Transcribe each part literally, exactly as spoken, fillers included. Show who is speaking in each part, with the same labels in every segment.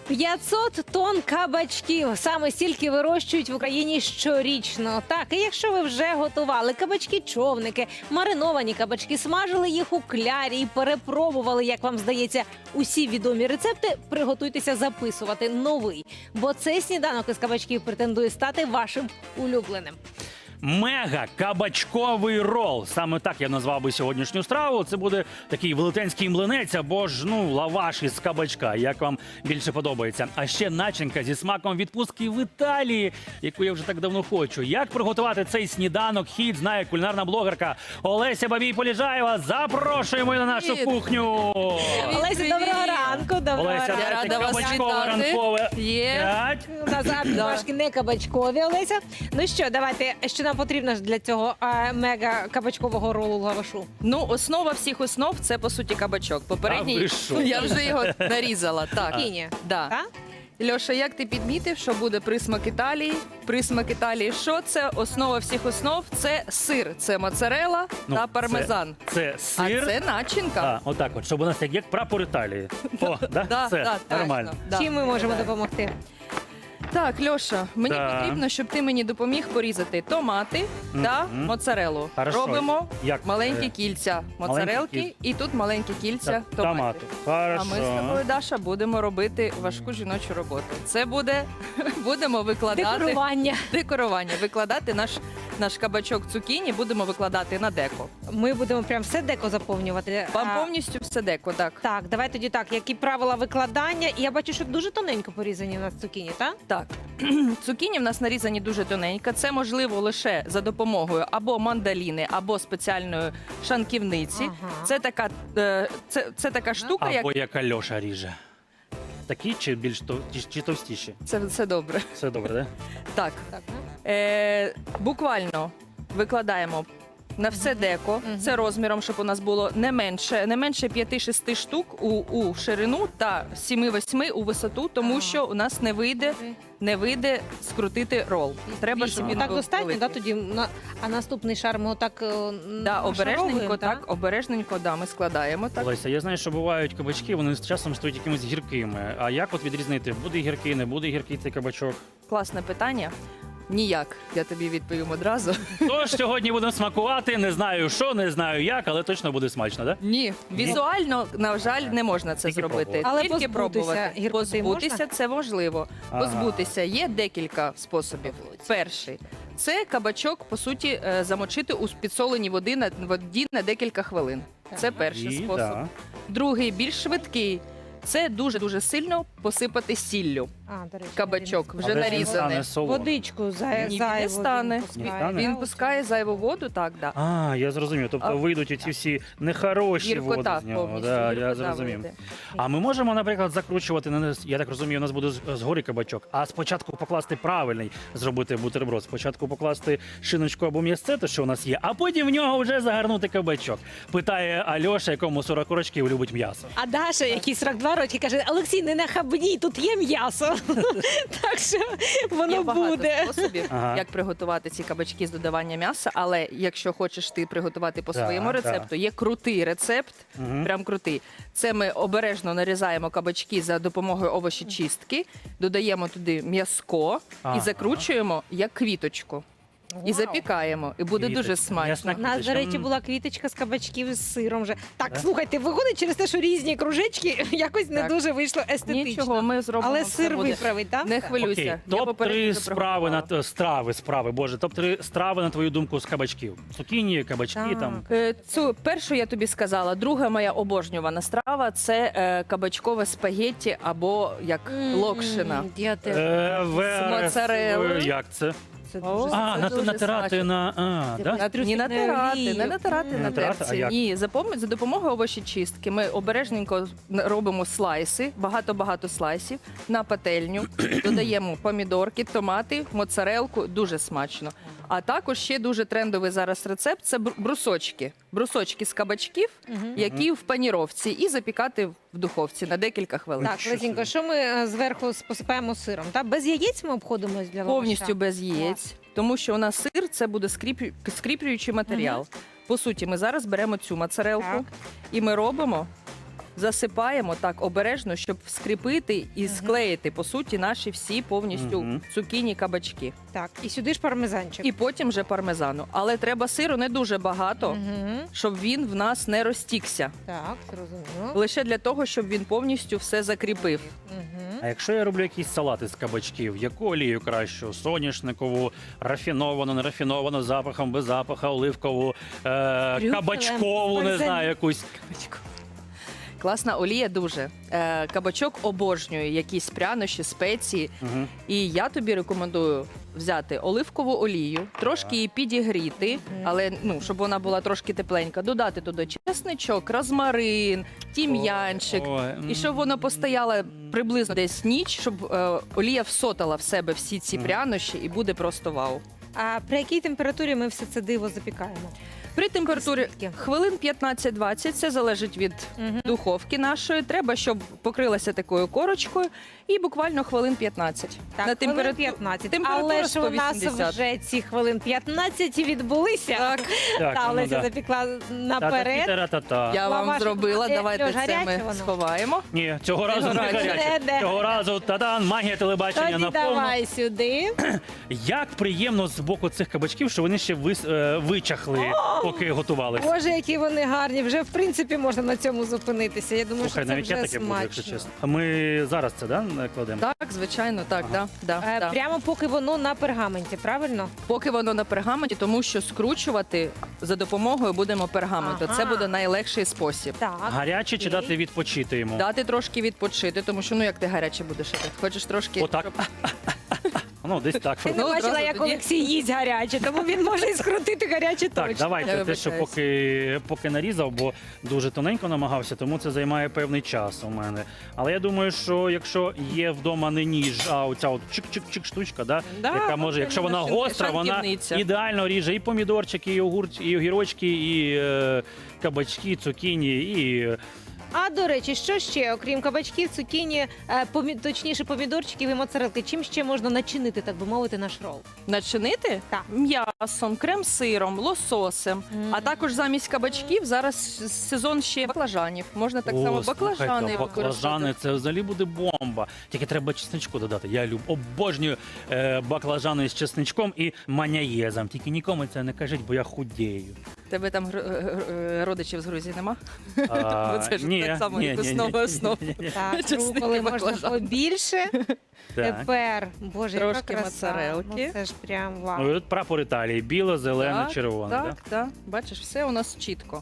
Speaker 1: п'ятсот тонн кабачків. Саме стільки вирощують в Україні щорічно. Так, і якщо ви вже готували кабачки-човники, мариновані кабачки, смажили їх у клярі і перепробували, як вам здається, усі відомі рецепти, приготуйтеся записувати новий. Бо цей сніданок із кабачків претендує стати вашим улюбленим.
Speaker 2: Мега-кабачковий рол. Саме так я назвав би сьогоднішню страву. Це буде такий велетенський млинець або ж, ну, лаваш із кабачка, як вам більше подобається. А ще начинка зі смаком відпустки в Італії, яку я вже так давно хочу. Як приготувати цей сніданок, хід знає кулінарна блогерка Олеся Бабій-Поліжаєва. Запрошуємо на нашу
Speaker 3: Привіт.
Speaker 2: кухню.
Speaker 1: Олеся, доброго ранку. Доброго
Speaker 2: Олеся,
Speaker 1: ранку.
Speaker 3: Я
Speaker 2: дайте
Speaker 3: рада вас
Speaker 2: кабачкове
Speaker 3: вітати.
Speaker 2: ранкове.
Speaker 3: Є.
Speaker 2: П'ять.
Speaker 1: У нас трошки не кабачкові, Олеся. Ну що, давайте, що нам потрібно ж для цього а, мега-кабачкового ролу лавашу?
Speaker 3: Ну, основа всіх основ – це, по суті, кабачок.
Speaker 2: А
Speaker 3: Попередній,
Speaker 2: ви що?
Speaker 3: я вже його нарізала. Так.
Speaker 1: Кіні.
Speaker 3: Да.
Speaker 1: Так?
Speaker 3: Льоша, як ти підмітив, що буде присмак Італії? Присмак Італії, що це? Основа всіх основ – це сир, це моцарелла
Speaker 2: Ну,
Speaker 3: та пармезан.
Speaker 2: Це, це
Speaker 3: А
Speaker 2: сир.
Speaker 3: це начинка.
Speaker 2: А, отак от, щоб у нас як, як прапор Італії. О, да?
Speaker 3: Да,
Speaker 2: Все,
Speaker 3: да, точно,
Speaker 2: нормально.
Speaker 3: да.
Speaker 1: Чим ми можемо допомогти?
Speaker 3: Так, Льоша, мені
Speaker 2: Да.
Speaker 3: потрібно, щоб ти мені допоміг порізати томати та
Speaker 2: Мгм.
Speaker 3: моцарелу.
Speaker 2: Хорошо.
Speaker 3: Робимо
Speaker 2: Як?
Speaker 3: маленькі
Speaker 2: Е,
Speaker 3: кільця
Speaker 2: кіль-
Speaker 3: моцарелки і тут маленькі кільця
Speaker 2: та-
Speaker 3: томатів.
Speaker 2: томату.
Speaker 3: А
Speaker 2: Хорошо.
Speaker 3: ми з тобою, Даша, будемо робити важку жіночу роботу. Це буде, будемо викладати
Speaker 1: Декорування.
Speaker 3: декорування, викладати наш, наш кабачок цукіні, будемо викладати на деко.
Speaker 1: Ми будемо прям все деко заповнювати.
Speaker 3: Вам
Speaker 1: А,
Speaker 3: повністю все деко, так.
Speaker 1: Так, давай тоді так. Які правила викладання? І я бачу, що дуже тоненько порізані у нас цукіні, так?
Speaker 3: Так, цукіні в нас нарізані дуже тоненько. Це можливо лише за допомогою або мандаліни, або спеціальної шанківниці.
Speaker 1: Ага.
Speaker 3: Це така, е, це, це така штука, як
Speaker 2: Або як Альоша ріже. Такі чи більш тов... чи, чи товстіші?
Speaker 3: це все добре.
Speaker 2: Все добре, да?
Speaker 3: Так,
Speaker 1: Так, ну.
Speaker 3: е, буквально викладаємо на все деко.
Speaker 1: Мгм.
Speaker 3: Це розміром, щоб у нас було не менше, не менше п'яти-шести штук у, у ширину та сіми-восьми у висоту, тому
Speaker 1: Ага.
Speaker 3: що у нас не вийде, не вийде скрутити рол. Треба, щоб він
Speaker 1: так
Speaker 3: був
Speaker 1: достатньо,
Speaker 3: великий.
Speaker 1: да, тоді на а наступний шар ми отак е,
Speaker 3: Да, обережненько,
Speaker 1: нашаровуємо,
Speaker 3: так, обережненько, да, ми складаємо так.
Speaker 2: Олеся, я знаю, що бувають кабачки, вони з часом стають якимись гіркими. А як от відрізнити, буде гіркий, не буде гіркий цей кабачок?
Speaker 3: Класне питання. Ніяк, я тобі відповім одразу.
Speaker 2: Тож сьогодні будемо смакувати, не знаю що, не знаю як, але точно буде смачно, да?
Speaker 3: Ні, візуально, на жаль, не можна це
Speaker 2: Тільки
Speaker 3: зробити.
Speaker 2: пробувати.
Speaker 1: Але
Speaker 3: Тільки
Speaker 1: позбутися
Speaker 3: пробувати.
Speaker 1: гіркоти
Speaker 3: Позбутися
Speaker 1: можна?
Speaker 3: це можливо.
Speaker 2: Ага.
Speaker 3: Позбутися є декілька способів. Перший це кабачок, по суті, е, замочити у підсоленій води на воді на декілька хвилин. Це перший
Speaker 2: І,
Speaker 3: спосіб.
Speaker 2: да.
Speaker 3: Другий більш швидкий. Це дуже дуже сильно посипати сіллю.
Speaker 1: А, до речі,
Speaker 3: Кабачок вже
Speaker 2: Але ж він
Speaker 3: нарізаний.
Speaker 2: стане солоний.
Speaker 1: водичку за,
Speaker 3: Ні, він не
Speaker 1: зайву
Speaker 3: стане.
Speaker 1: він пускає,
Speaker 2: Не стане?
Speaker 3: Він
Speaker 1: да,
Speaker 3: пускає зайву воду, так, да.
Speaker 2: А, я зрозумів. Тобто
Speaker 3: А-
Speaker 2: вийдуть оці всі нехороші води
Speaker 3: Гіркота
Speaker 2: з нього.
Speaker 3: повністю.
Speaker 2: Да, я
Speaker 3: гіркота
Speaker 2: зрозумів.
Speaker 3: вийде.
Speaker 2: А ми можемо, наприклад, закручувати, на нас- я так розумію, у нас буде з- згорі кабачок, а спочатку покласти правильний, зробити бутерброд. Спочатку покласти шиночку або м'ясце, те, що у нас є, а потім в нього вже загарнути кабачок. Питає Альоша, якому сорок років любить м'ясо.
Speaker 1: А Даша, який сорок два роки, каже: Олексій, не нахабній, тут є м'ясо. Так що
Speaker 3: Є
Speaker 1: воно
Speaker 3: багато
Speaker 1: буде.
Speaker 3: способів,
Speaker 2: Ага.
Speaker 3: як приготувати ці кабачки з додавання м'яса, але якщо хочеш ти приготувати по
Speaker 2: Так,
Speaker 3: своєму
Speaker 2: так.
Speaker 3: рецепту, є крутий рецепт,
Speaker 2: Мгм.
Speaker 3: прям крутий. Це ми обережно нарізаємо кабачки за допомогою овочечистки, додаємо туди м'яско
Speaker 2: Ага.
Speaker 3: і закручуємо як квіточку. І
Speaker 1: Вау.
Speaker 3: запікаємо, і буде дуже
Speaker 2: Квіточка.
Speaker 3: смачно.
Speaker 2: М'ясна
Speaker 1: У нас, до
Speaker 2: квіточка.
Speaker 1: речі,
Speaker 2: М.
Speaker 1: була квіточка з кабачків з сиром. Вже. Так,
Speaker 2: Да?
Speaker 1: слухайте, виходить через те, що різні кружечки, якось не
Speaker 3: Так.
Speaker 1: дуже вийшло естетично.
Speaker 3: Нічого, ми зробимо.
Speaker 1: Але
Speaker 3: все
Speaker 1: сир
Speaker 3: буде.
Speaker 1: виправить, так?
Speaker 3: Не хвилюйся.
Speaker 2: Окей,
Speaker 3: Я
Speaker 2: топ
Speaker 3: попередньо
Speaker 2: три
Speaker 3: вже
Speaker 2: справи на
Speaker 3: приготувала.
Speaker 2: страви, справи, боже, топ три страви на твою думку з кабачків. Цукіні, кабачки
Speaker 1: Так.
Speaker 2: там.
Speaker 3: Е, Цю першу я тобі сказала. Друга моя обожнювана страва це е, кабачкове спагетті або як локшина.
Speaker 1: М, Я теж.
Speaker 2: Е, верес-
Speaker 3: моцарелою.
Speaker 2: Як це?
Speaker 1: Це
Speaker 3: О,
Speaker 1: дуже
Speaker 3: це
Speaker 2: А, на,
Speaker 3: дуже
Speaker 2: натирати
Speaker 3: смачно.
Speaker 2: на. А, да?
Speaker 1: На трюфельну
Speaker 3: Ні, натирати,
Speaker 1: олію.
Speaker 3: не натирати
Speaker 1: М.
Speaker 3: на
Speaker 2: Натирати? А
Speaker 3: терці.
Speaker 2: як?
Speaker 3: Ні, за, пом- за допомогою овочечистки ми обережненько робимо слайси, багато-багато слайсів на пательню, додаємо помідорки, томати, моцарелку, дуже смачно. А також ще дуже трендовий зараз рецепт це бру- брусочки. Брусочки з кабачків,
Speaker 1: Мгм.
Speaker 3: які в паніровці, і запікати в духовці на декілька хвилин.
Speaker 1: Так,
Speaker 2: Що
Speaker 1: Лесінько,
Speaker 2: це?
Speaker 1: що ми е, зверху посипаємо сиром? Та? Без яєць ми обходимось для лаваша?
Speaker 3: Повністю без яєць, тому що у нас сир це буде скріплю- скріплюючий матеріал. По суті, ми зараз беремо цю моцарелку
Speaker 1: Так.
Speaker 3: і ми робимо засипаємо так обережно, щоб скріпити і склеїти, по суті, наші всі повністю
Speaker 2: Мгм.
Speaker 3: цукіні, кабачки.
Speaker 1: Так, і сюди ж пармезанчик.
Speaker 3: І потім вже пармезану. Але треба сиру не дуже багато,
Speaker 1: Угу.
Speaker 3: щоб він в нас не розтікся.
Speaker 1: Так, зрозуміло.
Speaker 3: Лише для того, щоб він повністю все закріпив.
Speaker 1: Угу.
Speaker 2: А якщо я роблю якісь салати з кабачків, яку олію кращу? Соняшникову, рафіновану, нерафіновану, з запахом, без запаха, оливкову, е,
Speaker 1: Трюфелем,
Speaker 2: кабачкову, не
Speaker 1: бальзамік.
Speaker 2: знаю, якусь.
Speaker 3: Класна олія дуже. Е, кабачок обожнює якісь прянощі, спеції.
Speaker 2: Угу.
Speaker 3: І я тобі рекомендую взяти оливкову олію, трошки її підігріти, але ну, щоб вона була трошки тепленька, додати туди чесничок, розмарин, тім'янчик. І щоб воно постояло приблизно десь ніч, щоб е, олія всотала в себе всі ці
Speaker 2: Мгм.
Speaker 3: прянощі і буде просто вау.
Speaker 1: А при якій температурі ми все це диво запікаємо?
Speaker 3: При температурі
Speaker 1: Скільки?
Speaker 3: хвилин п'ятнадцять-двадцять, це залежить від
Speaker 1: Угу.
Speaker 3: духовки нашої. Треба, щоб покрилася такою корочкою, і буквально хвилин п'ятнадцять.
Speaker 1: Так,
Speaker 3: На
Speaker 1: хвилин
Speaker 3: температу-
Speaker 1: п'ятнадцять.
Speaker 3: температура
Speaker 1: Але ж у нас
Speaker 3: сто вісімдесят.
Speaker 1: вже ці хвилин п'ятнадцять відбулися.
Speaker 3: Так,
Speaker 2: Так,
Speaker 1: Та
Speaker 2: ну
Speaker 1: Олеся
Speaker 2: да.
Speaker 1: запікла наперед.
Speaker 2: Та-та-та-та-та.
Speaker 3: я вам
Speaker 1: Лаваш
Speaker 3: зробила.
Speaker 1: буде
Speaker 3: Давайте
Speaker 1: льош,
Speaker 3: це
Speaker 1: гаряче
Speaker 3: ми
Speaker 1: воно?
Speaker 3: сховаємо.
Speaker 2: Ні, цього разу не
Speaker 3: гаряче.
Speaker 2: гаряче.
Speaker 1: Де-де?
Speaker 2: Цього разу та-дан, магія телебачення
Speaker 1: Тоді
Speaker 2: наповну.
Speaker 1: давай сюди.
Speaker 2: Як приємно з боку цих кабачків, що вони ще вис- е, вичахли, поки готувалися.
Speaker 1: Боже, які вони гарні. Вже в принципі можна на цьому зупинитися. Я думаю,
Speaker 2: Слухай,
Speaker 1: що це
Speaker 2: навіть я
Speaker 1: вже
Speaker 2: таке буду, якщо
Speaker 1: смачно.
Speaker 2: чесно. А ми зараз це да, кладемо?
Speaker 3: Так, звичайно, так,
Speaker 2: Ага.
Speaker 3: да, да,
Speaker 1: Е,
Speaker 3: да.
Speaker 1: Прямо поки воно на пергаменті, правильно?
Speaker 3: Поки воно на пергаменті, тому що скручувати за допомогою будемо пергаменту.
Speaker 1: Ага.
Speaker 3: Це буде найлегший спосіб.
Speaker 1: Так.
Speaker 2: Гаряче чи
Speaker 1: окей.
Speaker 2: дати відпочити йому?
Speaker 3: Дати трошки відпочити, тому що ну як ти гаряче будеш їсти? Хочеш трошки.
Speaker 2: Отак. Ну, десь так.
Speaker 1: Ти не
Speaker 3: Ну,
Speaker 1: бачила,
Speaker 3: одразу
Speaker 1: як
Speaker 3: тоді.
Speaker 1: Олексій їсть гаряче, тому він може і скрутити гаряче
Speaker 2: Так,
Speaker 1: точно.
Speaker 2: давайте
Speaker 3: Я
Speaker 2: те, що
Speaker 3: вибачаюсь.
Speaker 2: поки, поки нарізав, бо дуже тоненько намагався, тому це займає певний час у мене. Але я думаю, що якщо є вдома не ніж, а оця от чик-чик-чик штучка, да,
Speaker 1: Да,
Speaker 2: яка може, якщо вона
Speaker 3: машинка,
Speaker 2: гостра, вона
Speaker 3: шанківниця.
Speaker 2: ідеально ріже і помідорчики, і огурч, і огірочки, і е, кабачки, цукіні, і
Speaker 1: А до речі, що ще, окрім кабачків, цукіні, е, помі... точніше помідорчиків і моцарелки, чим ще можна начинити, так би мовити, наш рол?
Speaker 3: Начинити
Speaker 1: Так.
Speaker 3: м'ясом, крем-сиром, лососем.
Speaker 1: Мгм.
Speaker 3: А також замість кабачків зараз сезон ще баклажанів. Можна так само баклажани
Speaker 2: слухайте, баклажани,
Speaker 3: використовувати.
Speaker 2: це взагалі буде бомба. Тільки треба чесничку додати. Я люб, обожнюю е, баклажани з чесничком і маняєзом. Тільки нікому це не кажіть, бо я худію.
Speaker 3: Тебе там гр- гр- гр- родичів з Грузії нема?
Speaker 2: А,
Speaker 3: Це ж
Speaker 2: ні,
Speaker 3: так само,
Speaker 2: ні,
Speaker 3: як
Speaker 2: ні, ні,
Speaker 3: основа
Speaker 2: ні,
Speaker 3: основ.
Speaker 2: ні, ні.
Speaker 1: Так,
Speaker 3: Чесник і
Speaker 1: руколи можна
Speaker 3: баклажан.
Speaker 1: побільше.
Speaker 2: Так.
Speaker 1: Тепер, боже, яка
Speaker 3: Трошки
Speaker 1: краса.
Speaker 3: моцарелки.
Speaker 1: Ну, це ж прям вау.
Speaker 2: Ну, і от прапор Італії. Біло, зелене,
Speaker 3: Так,
Speaker 2: червоне.
Speaker 3: Так,
Speaker 2: да?
Speaker 3: так. Бачиш, все у нас чітко.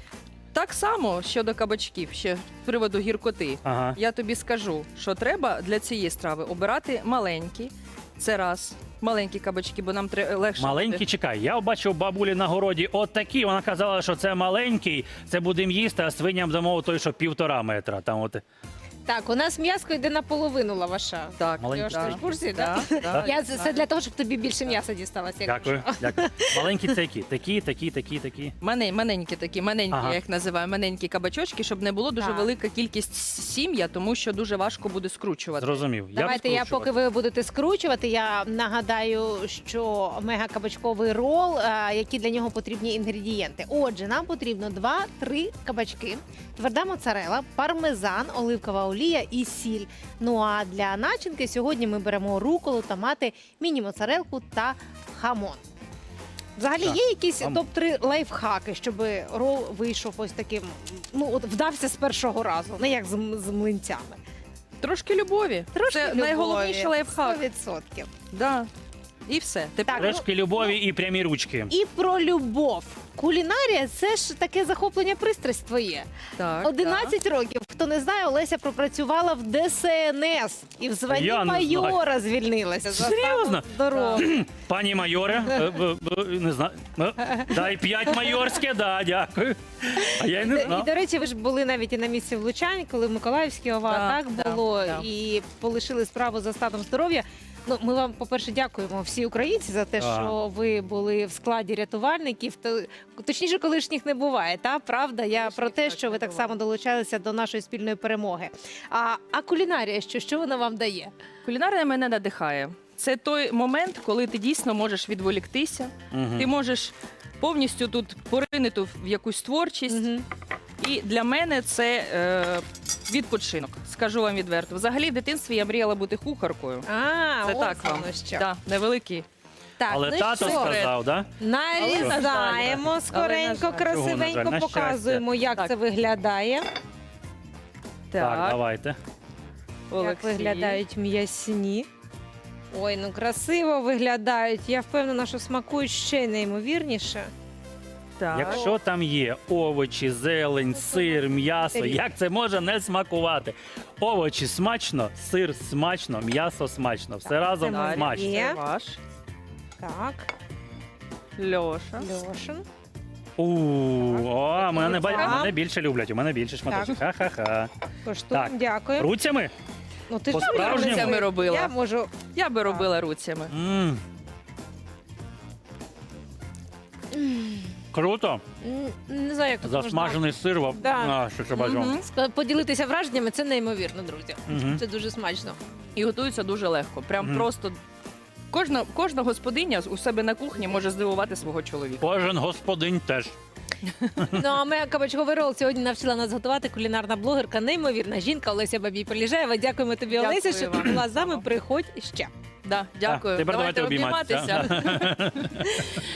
Speaker 3: Так само щодо кабачків, ще з приводу гіркоти.
Speaker 2: Ага.
Speaker 3: Я тобі скажу, що треба для цієї страви обирати маленькі. Це раз. Маленькі кабачки, бо нам треба легше.
Speaker 2: Маленький,
Speaker 3: буде.
Speaker 2: чекай. Я бачив бабулі на городі от такі. Вона казала, що це маленький, це будемо їсти, а свиням дамо той, що півтора метра. Там от.
Speaker 1: Так, у нас м'яско йде наполовину лаваша.
Speaker 3: Так,
Speaker 2: Маленькі.
Speaker 1: Льош,
Speaker 3: да.
Speaker 1: ти ж в курсі,
Speaker 3: Да,
Speaker 1: так?
Speaker 3: да,
Speaker 1: Я
Speaker 3: да.
Speaker 1: це для того, щоб тобі більше м'яса дісталося. як
Speaker 2: Дякую, дякую. Маленькі це які? Такі, такі, такі, такі.
Speaker 3: Мане- Маленькі такі, маленькі,
Speaker 2: Ага.
Speaker 3: я їх називаю, маленькі кабачочки, щоб не було дуже
Speaker 1: Так.
Speaker 3: велика кількість сім'я, тому що дуже важко буде скручувати.
Speaker 2: Зрозумів.
Speaker 1: Давайте я, поки ви будете скручувати, я нагадаю, що мегакабачковий рол, е, які для нього потрібні інгредієнти. Отже, нам потрібно два-три кабачки, тверда моцарела, пармезан, оливкова олія і сіль. Ну а для начинки сьогодні ми беремо руколу, томати, міні-моцарелку та хамон. Взагалі
Speaker 2: Так,
Speaker 1: є якісь
Speaker 2: хамон.
Speaker 1: топ-три лайфхаки, щоб рол вийшов ось таким, ну от вдався з першого разу, не як з, м- з млинцями.
Speaker 3: Трошки любові.
Speaker 1: Трошки
Speaker 3: Це
Speaker 1: любові.
Speaker 3: найголовніший лайфхак.
Speaker 1: сто відсотків.
Speaker 3: Да. І все. Тепер
Speaker 1: Так.
Speaker 2: Трошки любові і прямі ручки.
Speaker 1: І про любов. Кулінарія це ж таке захоплення, пристрасть твоє.
Speaker 3: так,
Speaker 1: одинадцять років. Хто не знає, Олеся пропрацювала в Де Ес Ен Ес і в званні
Speaker 2: Я не
Speaker 1: майора звільнилася. За
Speaker 2: Серйозно?
Speaker 1: здоров'я.
Speaker 2: Пані майоре, е, е, е, не знаю. е, Дай п'ять майорське, да, дякую. А я й не
Speaker 1: І,
Speaker 2: знав.
Speaker 1: до речі, ви ж були навіть і на місці влучань, коли в Миколаївській ОВА
Speaker 3: Так,
Speaker 1: так
Speaker 3: так,
Speaker 1: було,
Speaker 3: так.
Speaker 1: і полишили справу за станом здоров'я. Ну, ми вам, по-перше, дякуємо всі українці за те,
Speaker 2: Так.
Speaker 1: що ви були в складі рятувальників. То, точніше, колишніх не буває, та правда? Я
Speaker 3: Колишніх
Speaker 1: про те,
Speaker 3: точно
Speaker 1: що ви
Speaker 3: не
Speaker 1: так
Speaker 3: буває.
Speaker 1: само долучалися до нашої спільної перемоги. А, а кулінарія, що, що вона вам дає?
Speaker 3: Кулінарія мене надихає. Це той момент, коли ти дійсно можеш відволіктися,
Speaker 2: Мгм.
Speaker 3: ти можеш повністю тут поринути в якусь творчість. І для мене це е, відпочинок. Скажу вам відверто. Взагалі, в дитинстві я мріяла бути кухаркою.
Speaker 1: А,
Speaker 3: Це
Speaker 1: ось
Speaker 3: так вам.
Speaker 1: воно що.
Speaker 3: Да, невеликий.
Speaker 1: Так,
Speaker 2: Але
Speaker 1: ну
Speaker 2: тато
Speaker 1: що?
Speaker 2: сказав, да?
Speaker 1: Нарізаємо
Speaker 3: Але, на
Speaker 1: скоренько,
Speaker 3: жаль.
Speaker 1: красивенько,
Speaker 2: Чого, на жаль? На
Speaker 1: показуємо, як
Speaker 3: Так.
Speaker 1: це виглядає.
Speaker 2: Так, давайте.
Speaker 1: Як
Speaker 3: Олексій.
Speaker 1: виглядають м'ясні. Ой, ну красиво виглядають. Я впевнена, що смакують ще неймовірніше.
Speaker 3: Так.
Speaker 2: Якщо там є овочі, зелень, сир, м'ясо,
Speaker 1: Тарілка.
Speaker 2: як це може не смакувати? Овочі смачно, сир смачно, м'ясо смачно. Все разом
Speaker 1: це
Speaker 2: смачно.
Speaker 1: Є.
Speaker 3: Це ваш.
Speaker 1: Так,
Speaker 3: Льоша.
Speaker 1: Льошин.
Speaker 2: У, о, мене, ба-
Speaker 1: Так.
Speaker 2: мене більше люблять, у мене більше шматочок. Ха-ха-ха.
Speaker 1: Коштуємо,
Speaker 2: Так.
Speaker 1: дякую.
Speaker 2: Руцями?
Speaker 1: Ну, ти ж
Speaker 2: по-справжньому?
Speaker 3: Руцями робила.
Speaker 1: Я можу.
Speaker 3: Я би робила руцями.
Speaker 2: М. Круто.
Speaker 1: м, Не знаю, як тут можна
Speaker 2: Засмажений сир. во-
Speaker 1: Да.
Speaker 2: А, що це бажано.
Speaker 3: Мгм.
Speaker 1: ска- поділитися враженнями. Це неймовірно, друзі.
Speaker 2: Мгм.
Speaker 1: Це дуже смачно.
Speaker 3: І готується дуже легко. Прям
Speaker 2: Мгм.
Speaker 3: просто кожна, кожна господиня у себе на кухні може здивувати свого чоловіка.
Speaker 2: Кожен господин теж.
Speaker 1: Ну а ми кабачковий рол сьогодні навчила нас готувати кулінарна блогерка, неймовірна жінка Олеся Бабій-Поліжаєва. Дякуємо тобі,
Speaker 3: Дякую
Speaker 1: Олеся, що ти
Speaker 3: вам.
Speaker 1: була з нами. Приходь ще.
Speaker 3: Да, дякую.
Speaker 2: А, тепер давайте обійматися.
Speaker 3: обніматися.